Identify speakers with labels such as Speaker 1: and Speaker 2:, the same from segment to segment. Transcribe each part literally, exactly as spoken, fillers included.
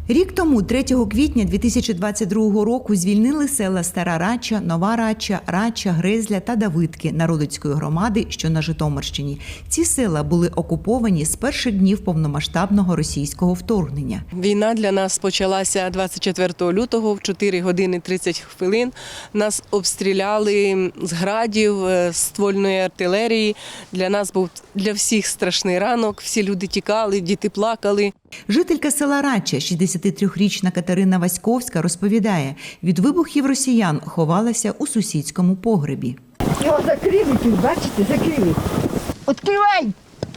Speaker 1: Рік тому, третього квітня дві тисячі двадцять другого року, звільнили села Стара Рача, Нова Рача, Рача, Грезля та Давидки Народицької громади, що на Житомирщині. Ці села були окуповані з перших днів повномасштабного російського вторгнення.
Speaker 2: Війна для нас почалася двадцять четвертого лютого в чотири години тридцять хвилин. Нас обстріляли з градів, з ствольної артилерії. Для нас був для всіх страшний ранок, всі люди тікали, діти плакали.
Speaker 1: Жителька села Рача, шістдесятитрирічна Катерина Васьковська, розповідає, від вибухів росіян ховалася у сусідському погребі.
Speaker 3: Його закрили, бачите, закрили. Відкривай!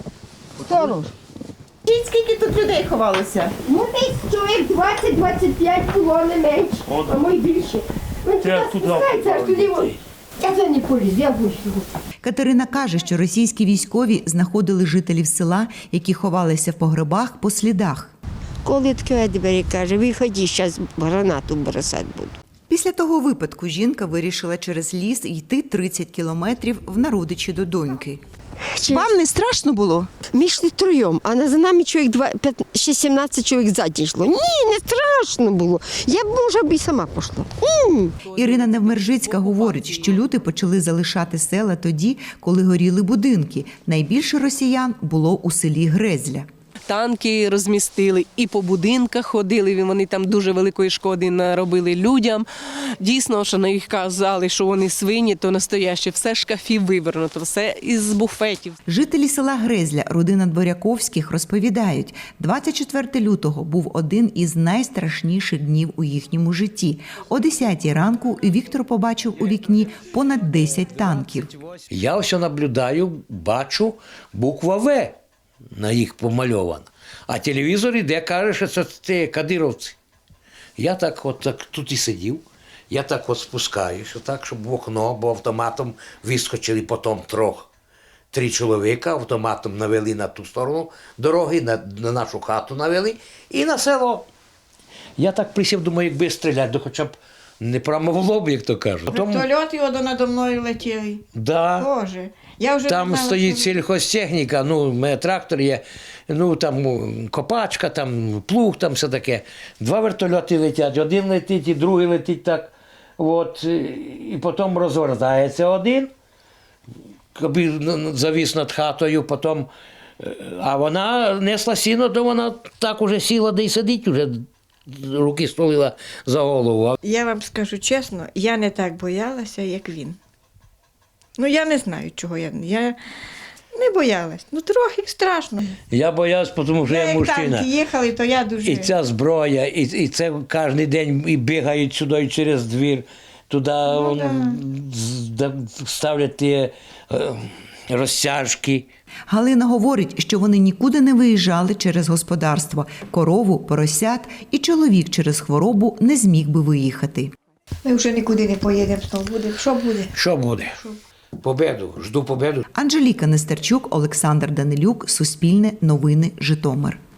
Speaker 3: Сторож.
Speaker 1: Скільки тут людей ховалося?
Speaker 3: Ну, десь чоловік двадцять-двадцять п'ять було, не менше, а ми більше. Ну, спускається аж туди. Я це не поліз, я вийшла.
Speaker 1: Катерина каже, що російські військові знаходили жителів села, які ховалися в погребах, по слідах.
Speaker 4: Коли відкриває двері, каже, виходи, зараз гранату бросати буду.
Speaker 1: Після того випадку жінка вирішила через ліс йти тридцять кілометрів в Народичі до доньки.
Speaker 4: Вам не страшно було? Ми йшли троєм, а за нами чоловік шістнадцять чоловік ззаді йшло. Ні, не страшно було. Я б, може, б і сама пішла. М-м.
Speaker 1: Ірина Невмержицька говорить, що люди почали залишати села тоді, коли горіли будинки. Найбільше росіян було у селі Грезля.
Speaker 2: Танки розмістили і по будинках ходили, вони там дуже великої шкоди наробили людям. Дійсно, що на їх казали, що вони свині, то настояще, все з шкафів вивернуто, все із буфетів.
Speaker 1: Жителі села Грезля, родина Дворяковських, розповідають, двадцять четвертого лютого був один із найстрашніших днів у їхньому житті. О десятій ранку Віктор побачив у вікні понад десять танків.
Speaker 5: Я все наблюдаю, бачу буква «В». На їх помальовано. А телевізор іде, каже, що це ті кадировці. Я так от так, тут і сидів, я так от спускаюся, так, щоб в окно, бо автоматом вискочили потім трьох. Три чоловіка автоматом навели на ту сторону дороги, на, на нашу хату навели і на село. Я так присів, думаю, якби стріляти, то хоча б не прямо в лоб, як то кажуть.
Speaker 6: Вертольот його надо мною летіли.
Speaker 5: Да.
Speaker 6: Боже. Я вже
Speaker 5: Там
Speaker 6: не знала,
Speaker 5: стоїть
Speaker 6: що...
Speaker 5: сільхозтехніка, ну, у мене трактор є, ну, там копачка, там плуг, там все таке. Два вертольоти летять, один летить і другий летить так. От, і потім розвертається один, завіс над хатою, потім, а вона несла сіно, то вона так уже сіла, де й сидить, уже руки стулила за голову.
Speaker 6: Я вам скажу чесно, я не так боялася, як він. Ну, я не знаю, чого я. Я не боялась. Ну, трохи страшно.
Speaker 5: Я боявся, тому що я
Speaker 6: Як
Speaker 5: мужчина.
Speaker 6: танки їхали, то я дуже...
Speaker 5: І ця зброя, і, і це кожен день і бігають сюди через двір, туди
Speaker 6: Ну,
Speaker 5: да. ставлять ті е, розтяжки.
Speaker 1: Галина говорить, що вони нікуди не виїжджали через господарство. Корову, поросят і чоловік через хворобу не зміг би виїхати.
Speaker 3: Ми вже нікуди не поїдемо, знову буде. Що буде?
Speaker 5: Що буде? Победу, жду победу.
Speaker 1: Анжеліка Нестерчук, Олександр Данилюк, Суспільне, Новини, Житомир.